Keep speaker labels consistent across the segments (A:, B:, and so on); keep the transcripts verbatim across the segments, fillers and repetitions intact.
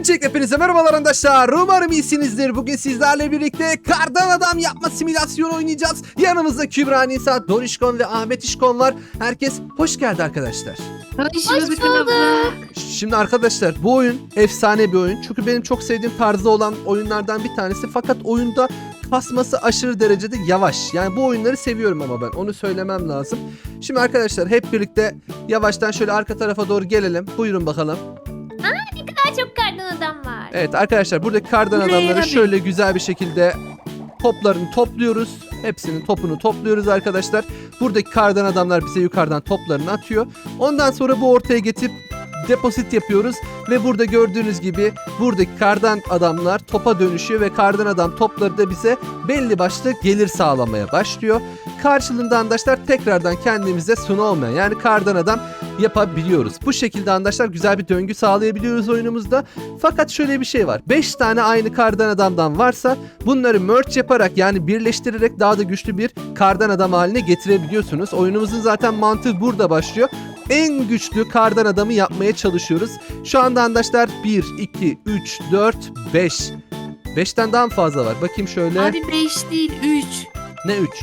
A: Öncelikle hepinize merhabalar arkadaşlar. Umarım iyisinizdir. Bugün sizlerle birlikte kardan adam yapma simülasyonu oynayacağız. Yanımızda Kübra Nisa, Dorişkon ve Ahmet İşkon var. Herkes hoş geldi arkadaşlar.
B: Hoş bulduk.
A: Şimdi arkadaşlar bu oyun efsane bir oyun. Çünkü benim çok sevdiğim tarzda olan oyunlardan bir tanesi. Fakat oyunda kasması aşırı derecede yavaş. Yani bu oyunları seviyorum ama ben onu söylemem lazım. Şimdi arkadaşlar hep birlikte yavaştan şöyle arka tarafa doğru gelelim. Buyurun bakalım.
B: Daha çok kardan adam var.
A: Evet arkadaşlar buradaki kardan
B: Buraya
A: adamları
B: abi.
A: şöyle güzel bir şekilde toplarını topluyoruz. Hepsinin topunu topluyoruz arkadaşlar. Buradaki kardan adamlar bize yukarıdan toplarını atıyor. Ondan sonra bu ortaya getirip deposit yapıyoruz. Ve burada gördüğünüz gibi buradaki kardan adamlar topa dönüşüyor ve kardan adam topları da bize belli başlı gelir sağlamaya başlıyor. Karşılığında arkadaşlar tekrardan kendimize snowman yani kardan adam yapabiliyoruz. Bu şekilde arkadaşlar güzel bir döngü sağlayabiliyoruz oyunumuzda. Fakat şöyle bir şey var. beş tane aynı kardan adamdan varsa bunları merge yaparak yani birleştirerek daha da güçlü bir kardan adam haline getirebiliyorsunuz. Oyunumuzun zaten mantığı burada başlıyor. En güçlü kardan adamı yapmaya çalışıyoruz. Şu anda arkadaşlar bir, iki, üç, dört, beş. beşten daha mı fazla var? Bakayım şöyle.
B: Abi beş değil üç.
A: Ne üç?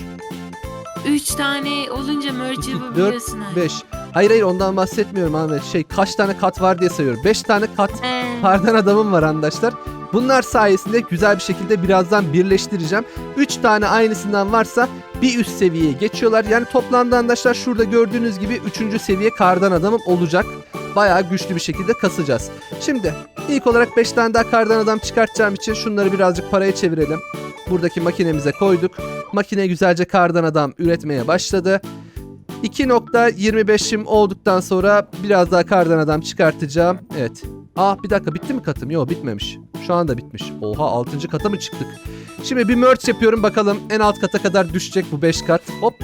B: üç tane olunca merge
A: iki,
B: yapabiliyorsun
A: dört,
B: abi.
A: beş. Hayır hayır ondan bahsetmiyorum Ahmet. Şey kaç tane kat var diye sayıyorum. beş tane kat
B: He.
A: kardan adamım var arkadaşlar. Bunlar sayesinde güzel bir şekilde birazdan birleştireceğim. üç tane aynısından varsa bir üst seviyeye geçiyorlar. Yani toplamda arkadaşlar şurada gördüğünüz gibi üçüncü seviye kardan adamım olacak. Bayağı güçlü bir şekilde kasacağız. Şimdi ilk olarak beş tane daha kardan adam çıkartacağım için şunları birazcık paraya çevirelim. Buradaki makinemize koyduk. Makine güzelce kardan adam üretmeye başladı. iki nokta yirmi beşim olduktan sonra biraz daha kardan adam çıkartacağım. Evet. Aa bir dakika bitti mi katım? Yok bitmemiş. Şu anda bitmiş. Oha altıncı kata mı çıktık? Şimdi bir merge yapıyorum bakalım en alt kata kadar düşecek bu beş kat. Hop.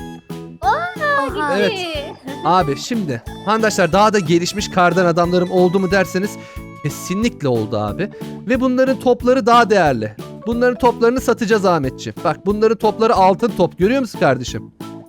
B: Aha.
A: Evet. Abi şimdi arkadaşlar daha da gelişmiş kardan adamlarım oldu mu derseniz kesinlikle oldu abi. Ve bunların topları daha değerli. Bunların toplarını satacağız Ahmetciğim. Bak bunların topları altın top görüyor musun kardeşim?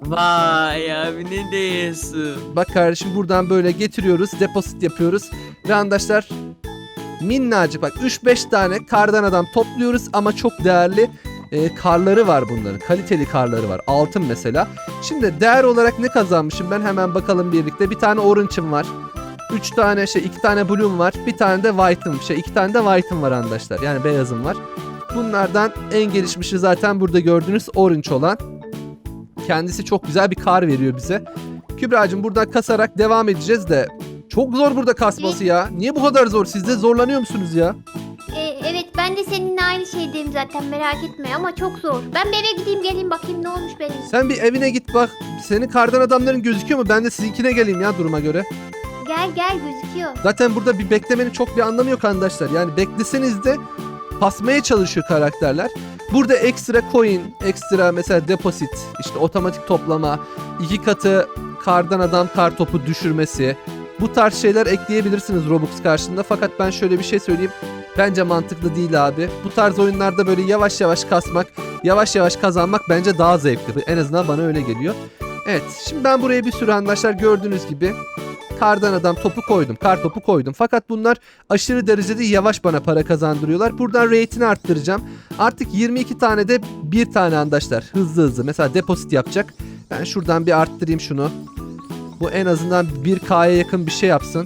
C: Vay abi ne diyorsun?
A: Bak kardeşim buradan böyle getiriyoruz, deposit yapıyoruz. Ve arkadaşlar minnacık bak üç beş tane kardan adam topluyoruz ama çok değerli e, karları var bunların. Kaliteli karları var. Altın mesela. Şimdi değer olarak ne kazanmışım ben hemen bakalım birlikte. Bir tane orange'ım var. üç tane şey iki tane blue'um var. Bir tane de white'ım şey iki tane de white'ım var arkadaşlar. Yani beyazım var. Bunlardan en gelişmişi zaten burada gördüğünüz orange olan. Kendisi çok güzel bir kar veriyor bize. Kübra'cığım buradan kasarak devam edeceğiz de çok zor burada kasması ya. Niye bu kadar zor? Siz de zorlanıyor musunuz ya?
D: Ee, evet ben de seninle aynı şeydeyim zaten merak etme ama çok zor. Ben bir eve gideyim geleyim bakayım ne olmuş benim.
A: Sen bir evine git bak. Senin kardan adamların gözüküyor mu? Ben de sizinkine geleyim ya duruma göre.
D: Gel gel gözüküyor.
A: Zaten burada bir beklemenin çok bir anlamı yok arkadaşlar. Yani bekleseniz de basmaya çalışıyor karakterler. Burada ekstra coin, ekstra mesela deposit, işte otomatik toplama, iki katı kardan adam kar topu düşürmesi. Bu tarz şeyler ekleyebilirsiniz Robux karşılığında. Fakat ben şöyle bir şey söyleyeyim. Bence mantıklı değil abi. Bu tarz oyunlarda böyle yavaş yavaş kasmak, yavaş yavaş kazanmak bence daha zevkli. En azından bana öyle geliyor. Evet, şimdi ben buraya bir sürü arkadaşlar gördüğünüz gibi kardan adam topu koydum, kar topu koydum. Fakat bunlar aşırı derecede yavaş bana para kazandırıyorlar. Buradan rate'ini arttıracağım. Artık yirmi iki tane de bir tane arkadaşlar hızlı hızlı. Mesela deposit yapacak. Ben şuradan bir arttırayım şunu. Bu en azından bir K'ya yakın bir şey yapsın.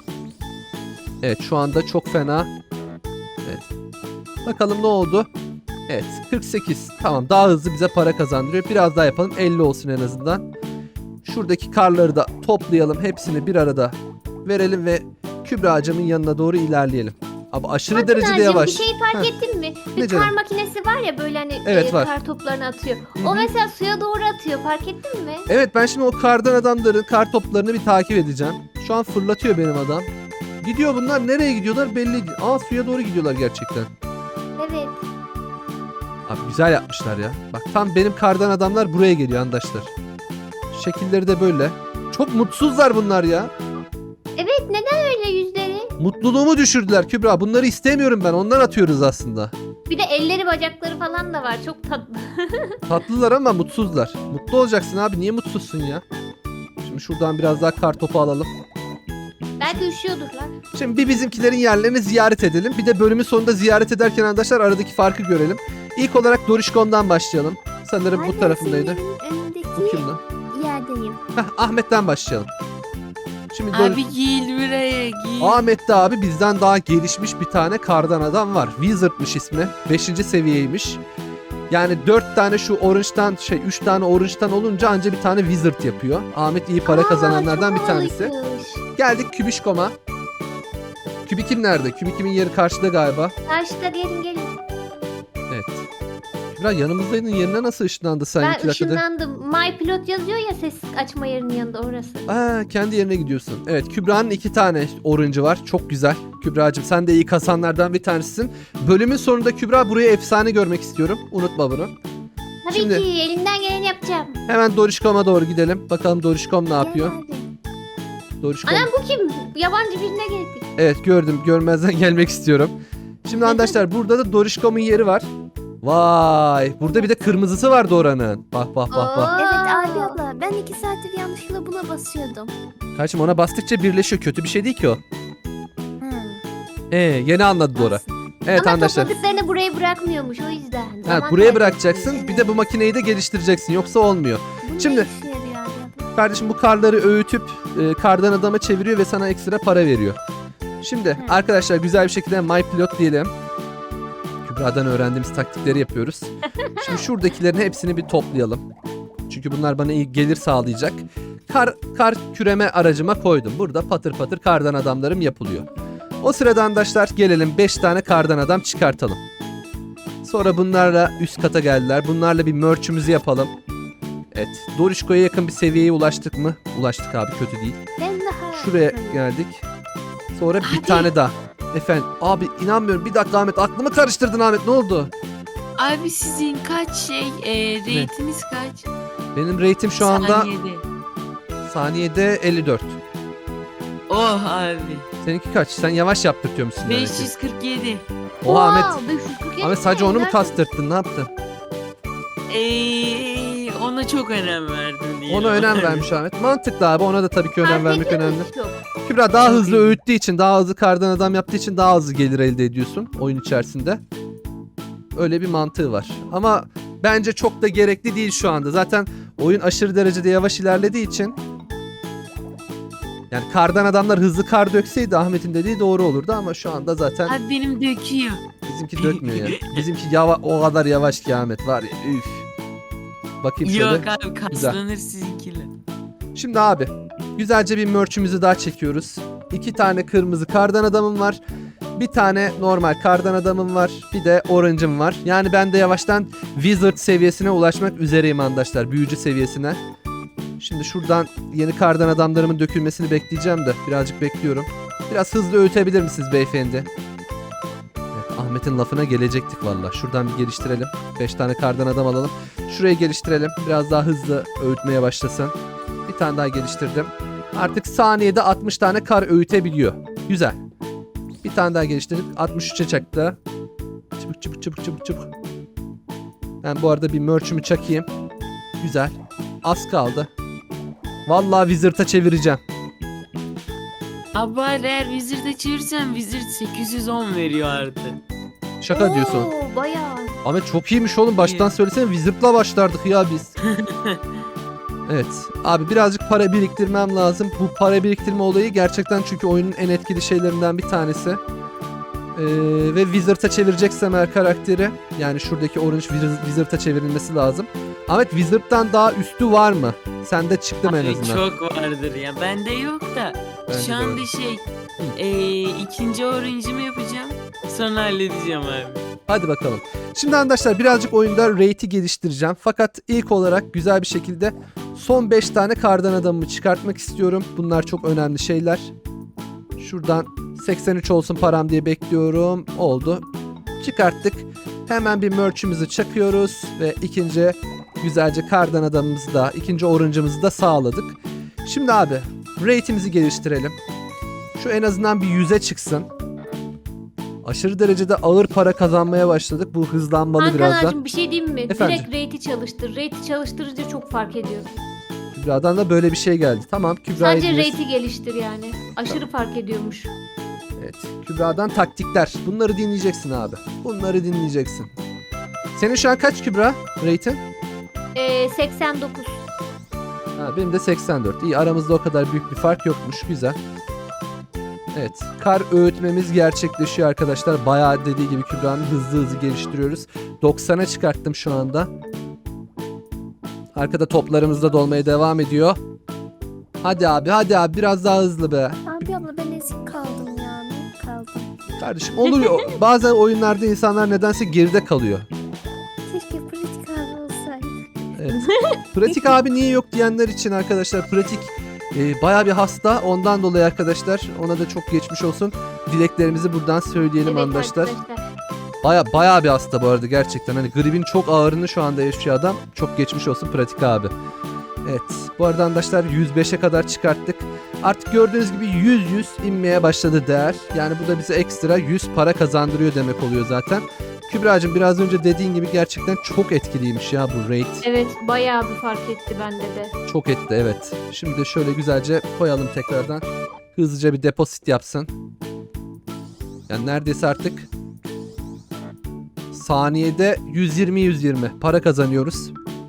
A: Evet şu anda çok fena. Evet. Bakalım ne oldu? Evet kırk sekiz. Tamam daha hızlı bize para kazandırıyor. Biraz daha yapalım. elli olsun en azından. Şuradaki karları da toplayalım. Hepsini bir arada verelim ve Kübra'cığımın yanına doğru ilerleyelim. Abi aşırı
D: Bakın
A: derecede
D: Hacım,
A: yavaş.
D: bir şey fark
A: Heh.
D: ettin mi?
A: Ne
D: Bir
A: canım?
D: kar makinesi var ya böyle hani
A: Evet,
D: e,
A: var.
D: kar toplarını atıyor.
A: Hı
D: O
A: hı.
D: mesela suya doğru atıyor fark ettin mi?
A: Evet ben şimdi o kardan adamların kar toplarını bir takip edeceğim. Şu an fırlatıyor benim adam. Gidiyor bunlar nereye gidiyorlar belli değil. Aa suya doğru gidiyorlar gerçekten.
D: Evet.
A: Abi güzel yapmışlar ya. Bak tam benim kardan adamlar buraya geliyor arkadaşlar. Şekilleri de böyle. Çok mutsuzlar bunlar ya.
D: Evet neden öyle yüzleri?
A: Mutluluğumu düşürdüler Kübra. Bunları istemiyorum ben. Ondan atıyoruz aslında.
D: Bir de elleri bacakları falan da var çok tatlı.
A: Tatlılar ama mutsuzlar. Mutlu olacaksın abi. Niye mutsuzsun ya? Şimdi şuradan biraz daha kar topu alalım.
D: Belki üşüyordurlar.
A: Şimdi bir bizimkilerin yerlerini ziyaret edelim. Bir de bölümün sonunda ziyaret ederken arkadaşlar aradaki farkı görelim. İlk olarak Dorişkom'dan başlayalım. Sanırım
E: Ay,
A: bu
E: ben
A: tarafındaydı.
E: senin önündeki
A: Bu kim lan?
E: yerdeyim.
A: Heh, Ahmet'ten başlayalım. Şimdi Dor-
C: Abi gel buraya gel.
A: Ahmet'te abi bizden daha gelişmiş bir tane kardan adam var. Wizard'mış ismi. beşinci seviyeymiş. Yani dört tane şu orange'dan şey üç tane orange'dan olunca anca bir tane wizard yapıyor. Ahmet iyi para
D: Aa,
A: kazananlardan
D: çok
A: bir tanesi.
D: havalıymış.
A: Geldik Kübişkom'a. Kübikim nerede? Kübikim'in yeri karşıda galiba.
D: Karşıda gelin gelin.
A: Evet. Kübra yanımızdaydın, yerine nasıl ışınlandı sen
D: Ben
A: iki dakikada?
D: ışınlandım. My Pilot yazıyor ya ses açma yerinin yanında orası.
A: Aa, kendi yerine gidiyorsun. Evet, Kübra'nın iki tane orange'ı var. Çok güzel. Kübra'cığım sen de iyi kasanlardan bir tanesisin. Bölümün sonunda Kübra buraya efsane görmek istiyorum. Unutma bunu.
D: Tabii
A: Şimdi-
D: ki elimden geleni yapacağım.
A: Hemen Dorişkom'a doğru gidelim. Bakalım Dorişkom ne yapıyor?
E: Gel abi.
A: Dorişkom.
D: Anam bu kim? Yabancı birine geldik.
A: Evet gördüm. Görmezden gelmek istiyorum. Şimdi arkadaşlar burada da Dorişkom'un yeri var. Vay. Burada bir de kırmızısı vardı oranın. Bak bak bak bak.
E: Evet
D: Aa.
E: abi abla ben iki saattir yanlışlıkla buna basıyordum.
A: Kardeşim ona bastıkça birleşiyor. Kötü bir şey değil ki o.
E: Hmm.
A: Ee, yeni anladı Dora. Evet
D: Ama
A: arkadaşlar.
D: topladıklarını buraya bırakmıyormuş o yüzden.
A: Ha,
D: Zaman
A: buraya
D: kaybı.
A: bırakacaksın. Bir de bu makineyi de geliştireceksin. Yoksa olmuyor.
E: Bu
A: Şimdi-
E: ne işe yarıyor abi abla?
A: Kardeşim bu karları öğütüp e, kardan adama çeviriyor ve sana ekstra para veriyor. Şimdi
E: Hı.
A: arkadaşlar güzel bir şekilde My Pilot diyelim. Kübra'dan öğrendiğimiz taktikleri yapıyoruz. Şimdi şuradakilerin hepsini bir toplayalım. Çünkü bunlar bana iyi gelir sağlayacak. Kar, kar küreme aracıma koydum. Burada patır patır kardan adamlarım yapılıyor. O sırada arkadaşlar gelelim beş tane kardan adam çıkartalım. Sonra bunlarla üst kata geldiler. Bunlarla bir merch'ümüzü yapalım. Evet. Dorişko'ya yakın bir seviyeye ulaştık mı? Ulaştık abi, kötü değil.
D: Ben daha...
A: Şuraya geldik. Sonra bir
B: Abi.
A: tane daha. Efendim abi inanmıyorum. Bir dakika Ahmet, aklımı karıştırdın Ahmet, ne oldu?
B: Abi sizin kaç şey e, reytiniz kaç?
A: Benim rate'im şu anda
B: Saniyede.
A: saniyede elli dört.
B: Oh abi.
A: Seninki kaç? Sen yavaş yaptırtıyor musun? demek ki?
B: beş yüz kırk yedi.
A: Oha Ahmet.
D: Wow, beş yüz kırk yedi
A: Ahmet sadece onu mu
D: nerede?
A: kastırttın? Ne yaptın?
B: Eee ona çok önem verdim diye.
A: Ona önem vermiş Ahmet. Mantıklı abi. Ona da tabii ki önem
D: Fark
A: vermek
D: ediyor mu
A: önemli.
D: hiç yok?
A: Kübra daha
B: Çok
A: hızlı
B: iyi.
A: öğüttüğü için, daha hızlı kardan adam yaptığı için daha hızlı gelir elde ediyorsun oyun içerisinde. Öyle bir mantığı var. Ama bence çok da gerekli değil şu anda. Zaten oyun aşırı derecede yavaş ilerlediği için, yani kardan adamlar hızlı kar dökseydi Ahmet'in dediği doğru olurdu ama şu anda zaten
B: Abi benim döküyor.
A: bizimki dökmüyor yani. Bizimki yava o kadar yavaş ki Ahmet var ya, üf. Bakayım şöyle.
B: Yok abi kaslanır sizinkiler.
A: Şimdi abi güzelce bir merch'ümüzü daha çekiyoruz. İki tane kırmızı kardan adamım var. Bir tane normal kardan adamım var. Bir de orange'ım var. Yani ben de yavaştan wizard seviyesine ulaşmak üzereyim arkadaşlar. Büyücü seviyesine. Şimdi şuradan yeni kardan adamlarımın dökülmesini bekleyeceğim de birazcık bekliyorum. Biraz hızlı öğütebilir misiniz beyefendi? Evet, Ahmet'in lafına gelecektik valla. Şuradan bir geliştirelim. beş tane kardan adam alalım. Şurayı geliştirelim. Biraz daha hızlı öğütmeye başlasın. Bir tane daha geliştirdim. Artık saniyede altmış tane kar öğütebiliyor. Güzel. Bir tane daha geliştirdik. altmış üçe çaktı. Çabuk çabuk çabuk çabuk çabuk. Ben bu arada bir merch'ümü çakayım. Güzel. Az kaldı. Vallahi Wizard'a çevireceğim.
B: Abi eğer Wizard'a çevirsem Wizard sekiz yüz on veriyor artık.
A: Şaka diyorsun.
D: Oo, bayağı.
A: Ahmet çok iyiymiş oğlum. Baştan
B: İyi.
A: söylesene, Wizard'la başlardık ya biz. Evet. Abi birazcık para biriktirmem lazım. Bu para biriktirme olayı gerçekten çünkü oyunun en etkili şeylerinden bir tanesi. Ee, ve Wizard'a çevireceksem eğer karakteri, yani şuradaki Orange Wiz- Wizard'a çevrilmesi lazım. Ahmet Wizard'dan daha üstü var mı? Sende çıktı mı en
B: Abi
A: azından?
B: çok vardır ya. Bende yok da.
A: Bende de
B: Şu
A: yok.
B: anda şey eee ikinci orange'ımı yapacağım. Sonra halledeceğim abi.
A: Hadi bakalım. Şimdi arkadaşlar birazcık oyunda rate'i geliştireceğim. Fakat ilk olarak güzel bir şekilde son beş tane kardan adamımı çıkartmak istiyorum. Bunlar çok önemli şeyler. Şuradan seksen üç olsun param diye bekliyorum. Oldu. Çıkarttık. Hemen bir merch'ümüzü çakıyoruz ve ikinci güzelce kardan adamımızı da, ikinci orange'ımızı da sağladık. Şimdi abi rate'imizi geliştirelim. Şu en azından bir yüze çıksın. Aşırı derecede ağır para kazanmaya başladık. Bu hızlanmalı
D: Hakan
A: biraz da.
D: ağacım bir şey diyeyim mi?
A: Efendim?
D: Direkt rate'i çalıştır. Rate'i çalıştırınca çok fark ediyor.
A: Kübra'dan da böyle bir şey geldi. Tamam Kübra'yı
D: Sadece
A: dinliyoruz.
D: rate'i geliştir yani. Aşırı fark ediyormuş.
A: Evet. Kübra'dan taktikler. Bunları dinleyeceksin abi. Bunları dinleyeceksin. Senin şu an kaç Kübra rate'in?
D: Ee, seksen dokuz.
A: Ha, benim de seksen dört. İyi, aramızda o kadar büyük bir fark yokmuş. Güzel. Evet. Kar öğütmemiz gerçekleşiyor arkadaşlar. Bayağı dediği gibi Kübra'nın hızlı hızlı geliştiriyoruz. doksana çıkarttım şu anda. Arkada toplarımız da dolmaya devam ediyor. Hadi abi hadi abi biraz daha hızlı be.
E: Abi abla ben ezik kaldım ya. Büyük kaldım.
A: Kardeşim oluyor. Bazen oyunlarda insanlar nedense geride kalıyor.
E: Keşke pratik abi olsaydı.
A: Evet. Pratik abi niye yok diyenler için arkadaşlar, pratik e, baya bir hasta. Ondan dolayı arkadaşlar ona da çok geçmiş olsun. Dileklerimizi buradan söyleyelim
D: Evet
A: arkadaşlar.
D: arkadaşlar.
A: Baya baya bir hasta bu arada gerçekten. Hani gripin çok ağırını şu anda yaşıyor adam. Çok geçmiş olsun pratik abi. Evet. Bu arada arkadaşlar yüz beşe kadar çıkarttık. Artık gördüğünüz gibi yüz yüz inmeye başladı değer. Yani bu da bize ekstra yüz para kazandırıyor demek oluyor zaten. Kübra'cığım biraz önce dediğin gibi gerçekten çok etkiliymiş ya bu rate.
D: Evet bayağı bir fark etti bende de.
A: Çok etti evet. Şimdi de şöyle güzelce koyalım tekrardan. Hızlıca bir deposit yapsın. Yani neredeyse artık saniyede yüz yirmi yüz yirmi para kazanıyoruz.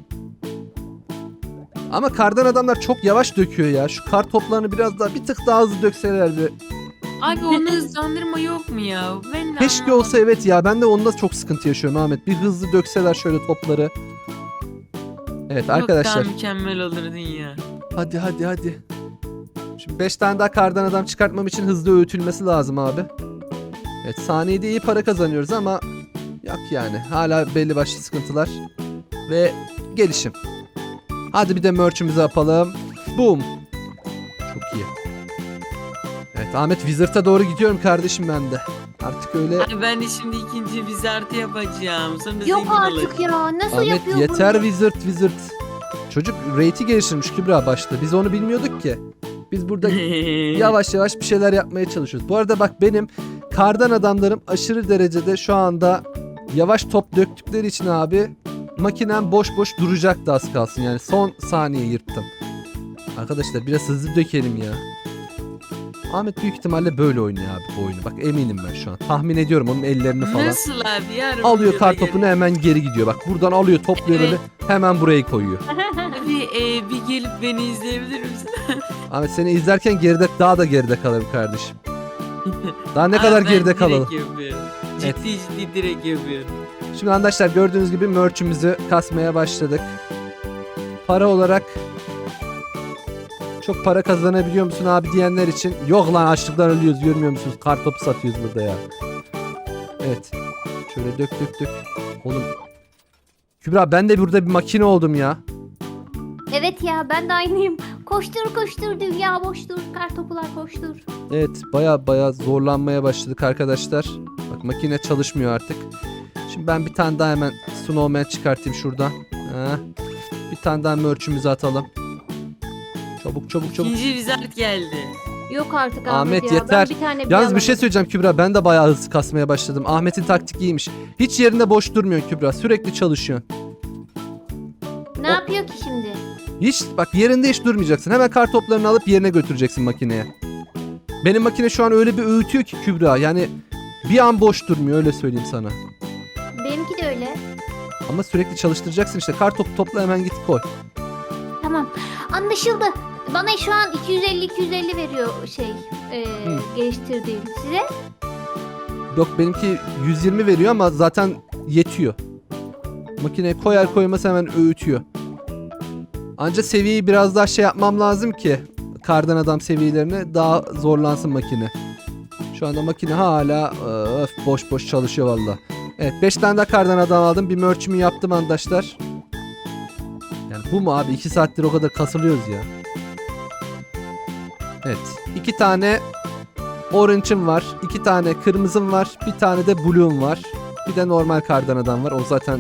A: Ama kardan adamlar çok yavaş döküyor ya. Şu kar toplarını biraz daha bir tık daha hızlı dökselerdi.
B: Abi onu hızlandırma yok mu ya? Ben de
A: Keşke
B: anlamadım.
A: olsa evet ya. Ben de onda çok sıkıntı yaşıyorum Ahmet. Bir hızlı dökseler şöyle topları. Evet
B: Çok
A: arkadaşlar.
B: daha mükemmel olurdun ya.
A: Hadi hadi hadi. Şimdi beş tane daha kardan adam çıkartmam için hızlı öğütülmesi lazım abi. Evet saniyede iyi para kazanıyoruz ama yok yani. Hala belli başlı sıkıntılar. Ve gelişim. Hadi bir de merch'ümüzü yapalım. Boom. Çok iyi. Evet Ahmet Wizard'a doğru gidiyorum kardeşim ben de. Artık öyle.
B: Abi ben de şimdi ikinci bizartı yapacağım. Sonra
D: Yok
B: zengin
D: artık ya. Nasıl
A: Ahmet
D: yapıyor
A: yeter
D: bunu?
A: Wizard Wizard. Çocuk rate'i geliştirmiş Kübra başta. Biz onu bilmiyorduk ki. Biz burada
B: olacağım.
A: yavaş yavaş bir şeyler yapmaya çalışıyoruz. Bu arada bak benim kardan adamlarım aşırı derecede şu anda yavaş top döktükleri için abi makinem boş boş duracaktı az kalsın. Yani son saniye yırttım. Arkadaşlar biraz hızlı dökelim ya. Ahmet büyük ihtimalle böyle oynuyor abi bu oyunu. Bak eminim ben şu an. Tahmin ediyorum onun ellerini falan.
B: Nasıl abi yarın
A: Alıyor
B: videoda
A: kar topunu hemen geri gidiyor. Bak buradan alıyor topluyor
B: Evet.
A: böyle hemen buraya koyuyor.
B: Abi e, bir gelip beni izleyebilir misin?
A: Ahmet seni izlerken geride daha da geride kalırım kardeşim. Daha ne
B: Abi
A: kadar
B: ben
A: geride
B: direkt
A: kalalım.
B: yapıyorum.
A: Evet.
B: Ciddi ciddi direkt yapıyorum.
A: Şimdi arkadaşlar gördüğünüz gibi merch'ümüzü kasmaya başladık. Para olarak çok para kazanabiliyor musun abi diyenler için yok lan açlıktan ölüyoruz görmüyor musunuz? Kartopu satıyoruz burada ya. Evet. Şöyle dök dök dök. Oğlum. Kübra ben de burada bir makine oldum ya.
D: Evet ya ben de aynıyım. Koştur koştur dünya boştur. Kartopular koştur.
A: Evet baya baya zorlanmaya başladık arkadaşlar. Bak makine çalışmıyor artık. Şimdi ben bir tane daha hemen snowman çıkartayım şuradan. Heh. Bir tane daha merch'ümüzü atalım. Çabuk çabuk çabuk.
B: İkinci bizart geldi.
D: Yok artık Ahmet,
A: Ahmet,
D: ya.
A: yeter.
D: Ben bir tane
A: Yalnız bir şey
D: alamadım.
A: söyleyeceğim Kübra. Ben de bayağı hızlı kasmaya başladım. Ahmet'in taktik iyiymiş. Hiç yerinde boş durmuyorsun Kübra. Sürekli çalışıyorsun.
D: Ne yapıyor ki şimdi?
A: Hiç bak yerinde hiç durmayacaksın. Hemen kar toplarını alıp yerine götüreceksin makineye. Benim makine şu an öyle bir öğütüyor ki Kübra. Yani bir an boş durmuyor öyle söyleyeyim sana.
D: Benimki de öyle.
A: Ama sürekli çalıştıracaksın işte. Kar topu topla hemen git koy.
D: Tamam. Anlaşıldı. Bana şu an iki yüz elli iki yüz elli veriyor şey e,
A: Hı.
D: geliştirdiğim. Size?
A: Yok benimki yüz yirmi veriyor ama zaten yetiyor. Makineye koyar koymaz hemen öğütüyor. Anca seviyeyi biraz daha şey yapmam lazım ki kardan adam seviyelerine daha zorlansın makine. Şu anda makine hala öf, boş boş çalışıyor valla. Evet beş tane daha kardan adam aldım. Bir merch'ümü yaptım arkadaşlar. Yani bu mu abi? iki saattir o kadar kasılıyoruz ya. Evet. iki tane orange'ım var. iki tane kırmızım var. Bir tane de blue'um var. Bir de normal kardan adam var. O zaten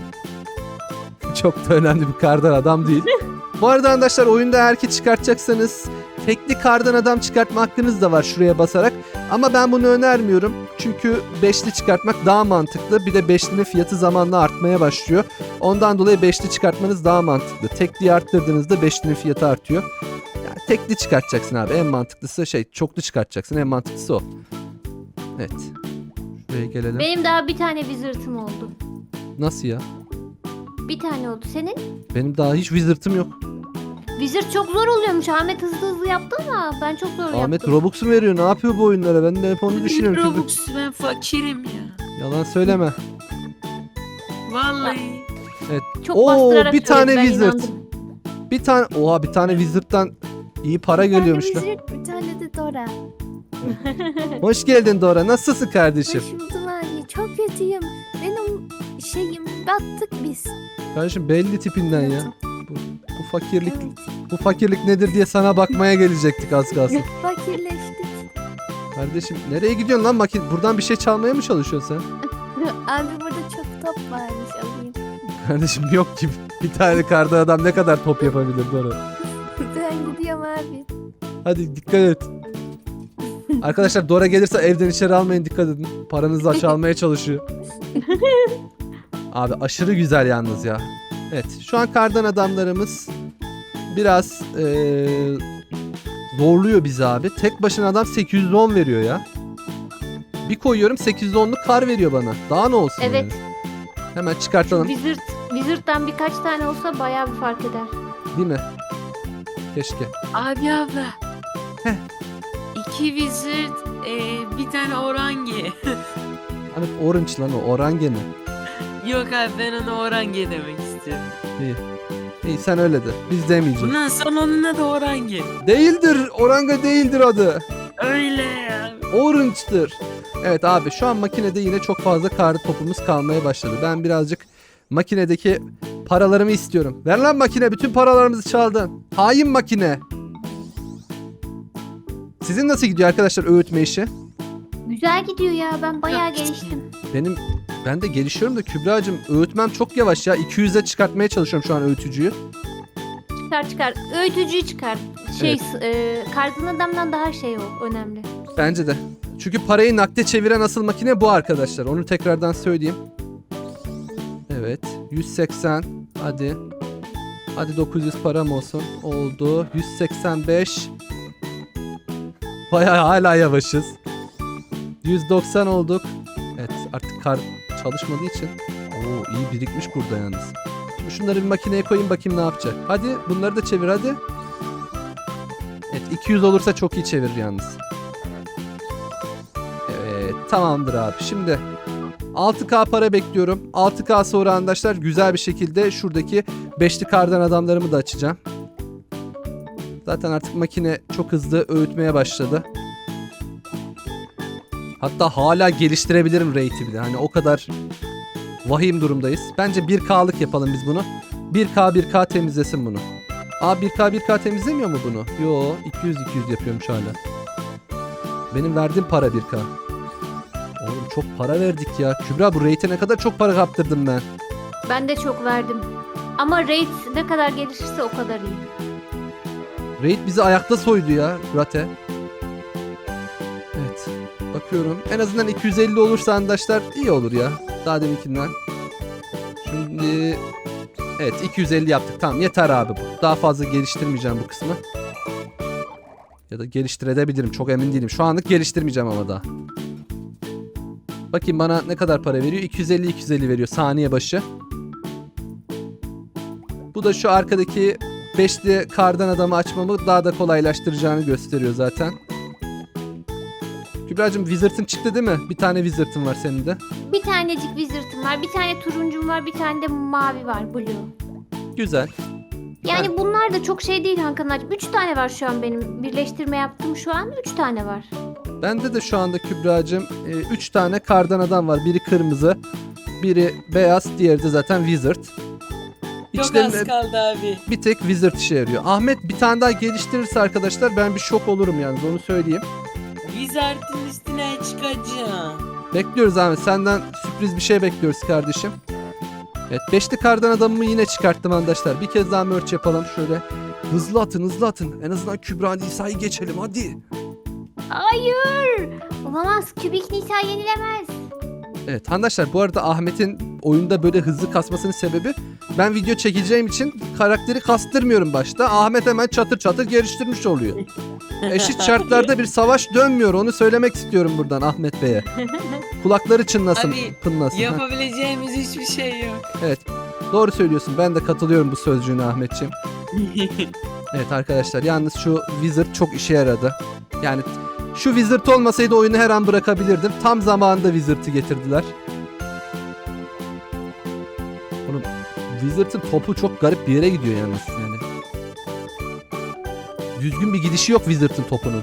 A: çok da önemli bir kardan adam değil. Bu arada arkadaşlar oyunda eğer ki çıkartacaksanız tekli kardan adam çıkartma hakkınız da var şuraya basarak. Ama ben bunu önermiyorum. Çünkü beşli çıkartmak daha mantıklı. Bir de beşlinin fiyatı zamanla artmaya başlıyor. Ondan dolayı beşli çıkartmanız daha mantıklı. Tekliyi arttırdığınızda beşlinin fiyatı artıyor. Yani tekli çıkartacaksın abi. En mantıklısı şey, çoklu çıkartacaksın. En mantıklısı o. Evet. Şuraya gelelim.
D: Benim daha bir tane wizard'ım oldu.
A: Nasıl ya?
D: Bir tane oldu. Senin?
A: Benim daha hiç wizard'ım yok.
D: Wizard çok zor oluyormuş. Ahmet hızlı hızlı yaptı ama ben çok zor
A: Ahmet
D: yaptım.
A: Robux mu veriyor? Ne yapıyor bu oyunlara? Ben de hep onu düşünüyorum. Çünkü-
B: Robux, ben fakirim ya.
A: Yalan söyleme.
B: Vallahi.
D: Çok
A: Oo,
D: bastırarak
A: bir tane
D: söyledi, ben
A: wizard.
D: inandım.
A: Bir tane, oha bir tane wizard'dan iyi para geliyormuş
E: Bir
A: lan.
E: tane Wizard, bir tane de Dora.
A: Hoş geldin Dora. Nasılsın kardeşim?
E: Hoş buldum abi. Çok kötüyüm. Benim şeyim battık biz.
A: Kardeşim belli tipinden ya. Bu, bu fakirlik,
E: Evet.
A: bu fakirlik nedir diye sana bakmaya gelecektik az kalsın.
E: Fakirleştik.
A: Kardeşim nereye gidiyorsun lan makine? Buradan bir şey çalmaya mı çalışıyorsun sen?
E: Abi burada çok top varmış alayım.
A: Kardeşim yok ki. Bir tane karda adam ne kadar top yapabilir Dora?
E: Ben gidiyorum abi.
A: Hadi dikkat et. Arkadaşlar Dora gelirse evden içeri almayın, dikkat edin. Paranızı çalmaya çalışıyor. Abi aşırı güzel yalnız ya. Evet şu an kardan adamlarımız biraz eee, zorluyor bizi abi. Tek başına adam sekiz yüz on veriyor ya. Bir koyuyorum sekiz yüz onluk kar veriyor bana. Daha ne olsun
D: Evet.
A: yani. Hemen çıkartalım
D: Wizard, Wizard'dan birkaç tane olsa bayağı bir fark eder.
A: değil mi? Keşke.
B: Abi abla.
A: Heh.
B: İki wizard, e, bir tane orange.
A: Hani orange lan o, orange mi?
B: Yok abi, ben ona orange demek istiyorum.
A: İyi. İyi sen öyle de. Biz demeyeceğiz.
B: Bundan sonra onun adı orange.
A: Değildir. Orange değildir adı.
B: Öyle ya.
A: Orange'dır. Evet abi şu an makinede yine çok fazla kar topumuz kalmaya başladı. Ben birazcık makinedeki paralarımı istiyorum. Ver lan makine, bütün paralarımızı çaldın. Hain makine. Sizin nasıl gidiyor arkadaşlar öğütme işi?
D: Güzel gidiyor ya. Ben bayağı
B: Yok,
D: geliştim.
A: Benim ben de gelişiyorum da Kübra'cığım öğütmem çok yavaş ya. iki yüze çıkartmaya çalışıyorum şu an öğütücüyü.
D: Çıkar çıkar. Öğütücüyü çıkar. Şey, e, kardan adamdan daha şey o. Önemli.
A: Bence de. Çünkü parayı nakde çeviren asıl makine bu arkadaşlar. Onu tekrardan söyleyeyim. Evet. yüz seksen. Hadi. Hadi dokuz yüz param olsun. Oldu. yüz seksen beş. Bayağı hala yavaşız. yüz doksan olduk. Evet artık kar çalışmadığı için. Oo iyi birikmiş burada yalnız. Şimdi şunları bir makineye koyayım bakayım ne yapacak. Hadi bunları da çevir hadi. Evet iki yüz olursa çok iyi çevirir yalnız. Evet tamamdır abi. Şimdi altı K para bekliyorum. altı K sonra arkadaşlar güzel bir şekilde şuradaki beşli kardan adamlarımı da açacağım. Zaten artık makine çok hızlı öğütmeye başladı. Hatta hala geliştirebilirim rate'i bile. Hani o kadar vahim durumdayız. Bence bir K'lık yapalım biz bunu. bir K bir K temizlesin bunu. Aa bir K bir K temizlemiyor mu bunu? Yo iki yüz iki yüz yapıyormuş hala. Benim verdiğim para bir K. Oğlum çok para verdik ya. Kübra bu rate'e ne kadar çok para kaptırdım ben.
D: Ben de çok verdim. Ama rate ne kadar gelişirse o kadar iyi.
A: Raid bizi ayakta soydu ya Rate. Evet. Bakıyorum. En azından iki yüz elli olursa arkadaşlar iyi olur ya. Daha deminkinden. Şimdi evet iki yüz elli yaptık. Tamam yeter abi bu. Daha fazla geliştirmeyeceğim bu kısmı. Ya da geliştirebilirim. Çok emin değilim. Şu anlık geliştirmeyeceğim ama daha. Bakayım bana ne kadar para veriyor. iki yüz elli iki yüz elli veriyor saniye başı. Bu da şu arkadaki beşli kardan adamı açmamı daha da kolaylaştıracağını gösteriyor zaten. Kübra'cığım Wizard'ın çıktı değil mi? Bir tane Wizard'ın var senin de.
D: Bir tanecik wizard'ım var. Bir tane turuncum var. Bir tane de mavi var. Blue.
A: Güzel.
D: Yani bunlar da çok şey değil Hakan'cığım. Üç tane var şu an benim. Birleştirme yaptım şu an. Üç tane var.
A: Bende de şu anda Kübra'cığım üç tane kardan adam var. Biri kırmızı, biri beyaz, diğeri de zaten Wizard.
B: Çok az
A: İçlerinde
B: kaldı abi.
A: bir tek Wizard işe yarıyor. Ahmet bir tane daha geliştirirse arkadaşlar ben bir şok olurum yalnız onu söyleyeyim.
B: Wizard'ın üstüne çıkacağım.
A: Bekliyoruz Ahmet. Senden sürpriz bir şey bekliyoruz kardeşim. Evet beşli kardan adamımı yine çıkarttım arkadaşlar. Bir kez daha merch yapalım. Şöyle Hızlı atın hızlı atın. En azından Kübra Nisa'yı geçelim hadi.
D: Hayır. Olamaz. Kübik Nisa yenilemez.
A: Evet arkadaşlar bu arada Ahmet'in oyunda böyle hızlı kasmasının sebebi ben video çekeceğim için karakteri kastırmıyorum başta. Ahmet hemen çatır çatır geliştirmiş oluyor. Eşit şartlarda bir savaş dönmüyor. Onu söylemek istiyorum buradan Ahmet Bey'e. Kulakları çınlasın,
B: Abi,
A: pınlasın. Heh.
B: Yapabileceğimiz hiçbir şey yok.
A: Evet. Doğru söylüyorsun. Ben de katılıyorum bu sözcüğüne Ahmetciğim. Evet arkadaşlar yalnız şu Wizard çok işe yaradı. Yani şu Wizard olmasaydı oyunu her an bırakabilirdim. Tam zamanında Wizard'ı getirdiler. Oğlum Wizard'ın topu çok garip bir yere gidiyor yalnız yani. Düzgün bir gidişi yok Wizard'ın topunun.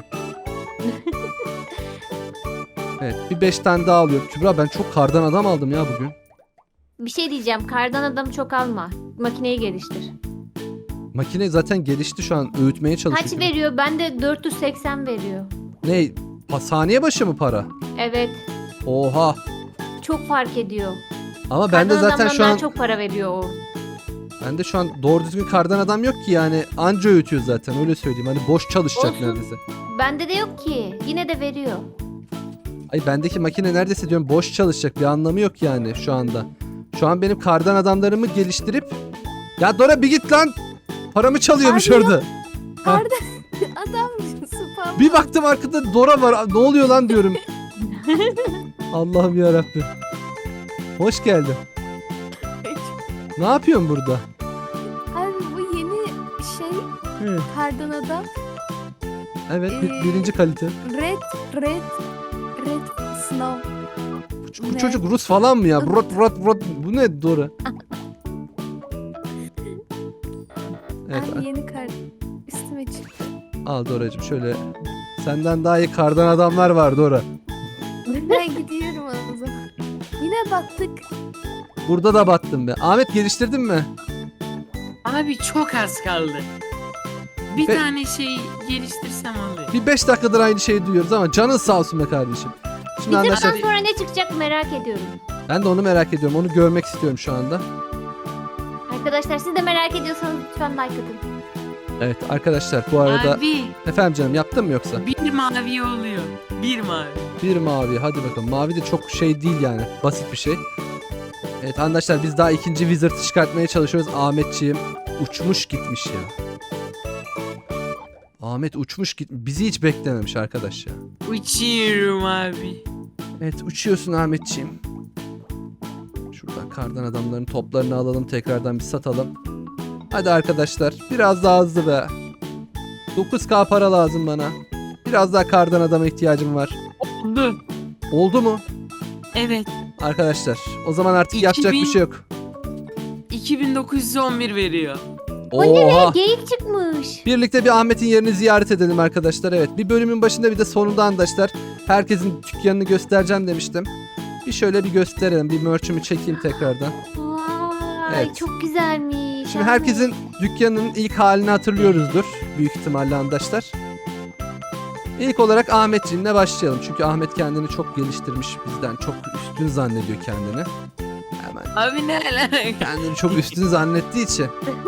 A: Evet bir beş tane daha alıyorum. Kübra ben çok kardan adam aldım ya bugün.
D: Bir şey diyeceğim. Kardan adamı çok alma. Makineyi geliştir.
A: Makine zaten gelişti şu an öğütmeye çalışıyor.
D: Kaç veriyor? Bende dört yüz seksen veriyor.
A: Ne? Ha, saniye başı mı para?
D: Evet.
A: Oha.
D: Çok fark ediyor.
A: Ama bende
D: Kardan
A: zaten
D: adamdan
A: şu
D: daha
A: an
D: çok para veriyor o.
A: bende şu an doğru düzgün kardan adam yok ki yani anca öğütüyor zaten öyle söyleyeyim. Hani boş çalışacak
D: Olsun.
A: neredeyse.
D: Bende de yok ki. Yine de veriyor.
A: Ay bendeki makine neredeyse diyorum boş çalışacak bir anlamı yok yani şu anda. Şu an benim kardan adamlarımı geliştirip ya Dora bir git lan. Paramı çalıyormuş
E: Abi
A: orada.
E: Kardan adam spam.
A: Bir baktım arkada Dora var. Ne oluyor lan diyorum. Allah'ım ya Rabbim. Hoş geldin. Ne yapıyorsun burada?
E: Abi bu yeni şey
A: Hı.
E: kardan adam.
A: Evet bir-
E: Ee,
A: birinci kalite.
E: Red Red Red Snow.
A: Bu, bu
E: ne?
A: çocuk Rus falan mı ya? Rot rot rot. Bu ne Dora? Evet
E: Abi yeni kar üstüme çıktı.
A: al Doracığım şöyle. Senden daha iyi kardan adamlar var Dora.
E: Ben gidiyorum o zaman. Yine battık.
A: Burada da battım be. Ahmet geliştirdin mi?
B: Abi çok az kaldı. Bir
A: Ve-
B: tane şey geliştirsem oluyor.
A: Bir beş dakikadır aynı şeyi duyuyoruz ama canın sağ olsun be kardeşim. Şimdi
D: Bizim
A: arkadaşlar
D: sonra ne çıkacak merak ediyorum.
A: ben de onu merak ediyorum. Onu görmek istiyorum şu anda.
D: Arkadaşlar siz de merak ediyorsanız lütfen like atın.
A: Evet arkadaşlar bu arada
B: Abi
A: efendim canım yaptın mı yoksa?
B: bir mavi oluyor. Bir mavi.
A: Bir mavi hadi bakalım. Mavi de çok şey değil yani. Basit bir şey. Evet arkadaşlar biz daha ikinci Wizard'ı çıkartmaya çalışıyoruz. Ahmetciğim uçmuş gitmiş ya. Ahmet uçmuş git. Bizi hiç beklememiş arkadaş ya.
B: Uçuyorum abi.
A: Evet uçuyorsun Ahmetciğim. Şuradan kardan adamların toplarını alalım tekrardan bir satalım. Hadi arkadaşlar biraz daha hızlı be. dokuz K para lazım bana. Biraz daha kardan adama ihtiyacım var.
B: Oldu.
A: Oldu mu?
B: Evet.
A: Arkadaşlar o zaman artık
B: iki
A: yapacak
B: bin
A: bir şey yok.
B: iki bin dokuz yüz on bir veriyor.
A: Oha.
D: Geyik çıkmış.
A: Birlikte bir Ahmet'in yerini ziyaret edelim arkadaşlar. Evet bir bölümün başında bir de sonunda arkadaşlar herkesin dükkanını göstereceğim demiştim. Bir şöyle bir gösterelim. Bir merch'ümü çekeyim tekrardan.
D: Vay
A: Evet.
D: çok güzelmiş.
A: Şimdi
D: Ahmet.
A: herkesin dükkanının ilk halini hatırlıyoruzdur. Büyük ihtimalle arkadaşlar. İlk olarak Ahmetciğimle başlayalım. Çünkü Ahmet kendini çok geliştirmiş bizden. Çok üstün zannediyor kendini. Hemen
B: Abi ne alaka?
A: kendini çok üstün zannettiği için.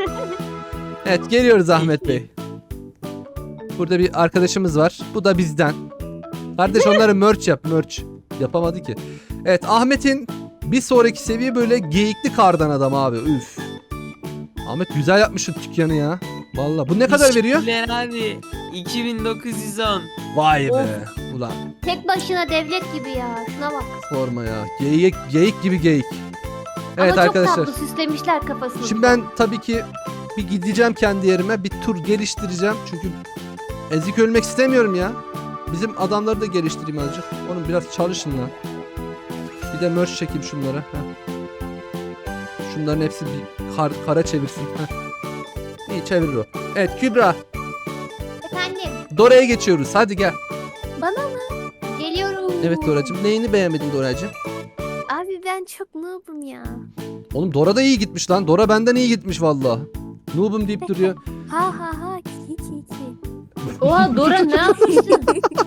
A: Evet geliyoruz Ahmet Bey. Burada bir arkadaşımız var. Bu da bizden. Kardeş onları merch yap merch. Yapamadı ki. Evet Ahmet'in bir sonraki seviye böyle geyikli kardan adam abi. Üf. Ahmet güzel yapmışsın dükkanı ya. Vallahi bu ne kadar veriyor?
B: Teşekkürler abi. iki bin dokuz yüz on.
A: Vay be. Ulan
D: Tek başına devlet gibi ya. Şuna bak.
A: sorma ya. Geyik, geyik gibi geyik. Evet
D: Ama
A: arkadaşlar.
D: çok tatlı süslemişler kafasını.
A: Şimdi ben tabii ki bir gideceğim kendi yerime. Bir tur geliştireceğim. Çünkü ezik ölmek istemiyorum ya. Bizim adamları da geliştireyim azıcık. Onun biraz çalışın lan. Bir de merch çekeyim şunlara. Heh. Şunların hepsi bir kar, kara çevirsin. Heh. İyi çevirir o. Evet Kübra.
D: Efendim
A: Dora'ya geçiyoruz. Hadi gel.
E: Bana mı?
D: geliyorum.
A: Evet Dora'cığım. Neyini beğenmedin Dora'cığım?
E: Abi ben çok noob'um ya.
A: Oğlum Dora da iyi gitmiş lan. Dora benden iyi gitmiş valla. Noob'um deyip duruyor.
E: Ha ha ha ki ki ki.
D: Oha Dora ne yapmışsın?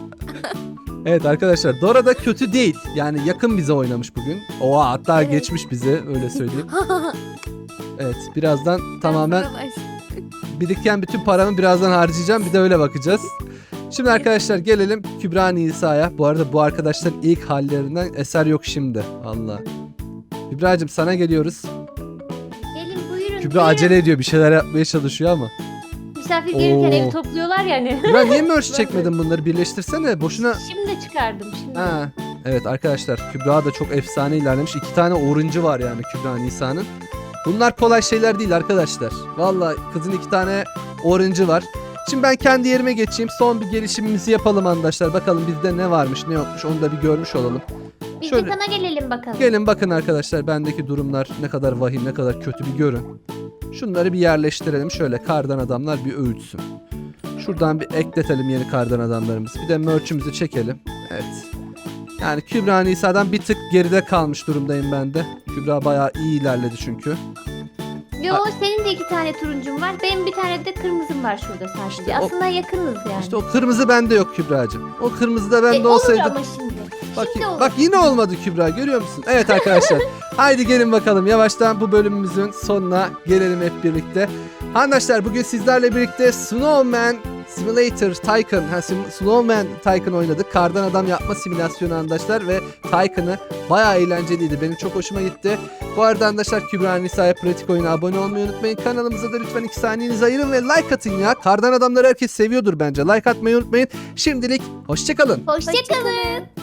A: Evet arkadaşlar Dora da kötü değil. Yani yakın bize oynamış bugün. Oha hatta
E: Evet.
A: geçmiş bize öyle söyleyeyim. Evet birazdan tamamen
E: Ben buna baş-
A: biriken bütün paramı birazdan harcayacağım. Bir de öyle bakacağız. Şimdi arkadaşlar gelelim Kübra Nisa'ya. Bu arada bu arkadaşların ilk hallerinden eser yok şimdi. Allah. Kübra'cığım sana geliyoruz.
D: Gelin buyurun.
A: Kübra
D: buyurun.
A: acele ediyor. Bir şeyler yapmaya çalışıyor ama.
F: Misafir gelirken
A: Oo.
F: evi topluyorlar yani.
A: Kübra niye merch çekmedin bunları? Birleştirsene. Boşuna...
F: Şimdi çıkardım şimdi.
A: Ha. Evet arkadaşlar Kübra da çok efsane ilerlemiş. İki tane orange'ı var yani Kübra Nisa'nın. Bunlar kolay şeyler değil arkadaşlar. Vallahi kızın iki tane orange'ı var. Şimdi ben kendi yerime geçeyim. Son bir gelişimimizi yapalım arkadaşlar. Bakalım bizde ne varmış ne yokmuş onu da bir görmüş olalım.
D: Biz
A: Şöyle-
D: de sana gelelim bakalım.
A: Gelin bakın arkadaşlar bendeki durumlar ne kadar vahim ne kadar kötü bir görün. Şunları bir yerleştirelim. Şöyle kardan adamlar bir öğütsün. Şuradan bir ekletelim yeni kardan adamlarımızı. Bir de merch'ümüzü çekelim. Evet. Yani Kübra Nisa'dan bir tık geride kalmış durumdayım ben de. Kübra bayağı iyi ilerledi çünkü.
D: Yo senin de iki tane turuncun var. Benim bir tane de kırmızım var şurada sadece.
A: İşte o-
D: Aslında yakınız yani.
A: İşte o kırmızı bende yok Kübra'cığım. O kırmızı da bende
D: E, olur
A: olsaydı.
D: ama şimdi.
A: Bak,
D: Şimdi olur.
A: bak yine olmadı Kübra görüyor musun? Evet arkadaşlar. Haydi gelin bakalım yavaştan bu bölümümüzün sonuna gelelim hep birlikte. Arkadaşlar bugün sizlerle birlikte Snowman Simulator Tycoon, ha, Sim- Snowman Tycoon oynadık. Kardan adam yapma simülasyonu arkadaşlar ve Tycoon'ı bayağı eğlenceliydi. Benim çok hoşuma gitti. Bu arada arkadaşlar Kübra Nisa'ya pratik oyuna abone olmayı unutmayın. Kanalımıza da lütfen iki saniyenizi ayırın ve like atın ya. Kardan adamları herkes seviyordur bence. Like atmayı unutmayın. Şimdilik hoşçakalın.
D: Hoşçakalın.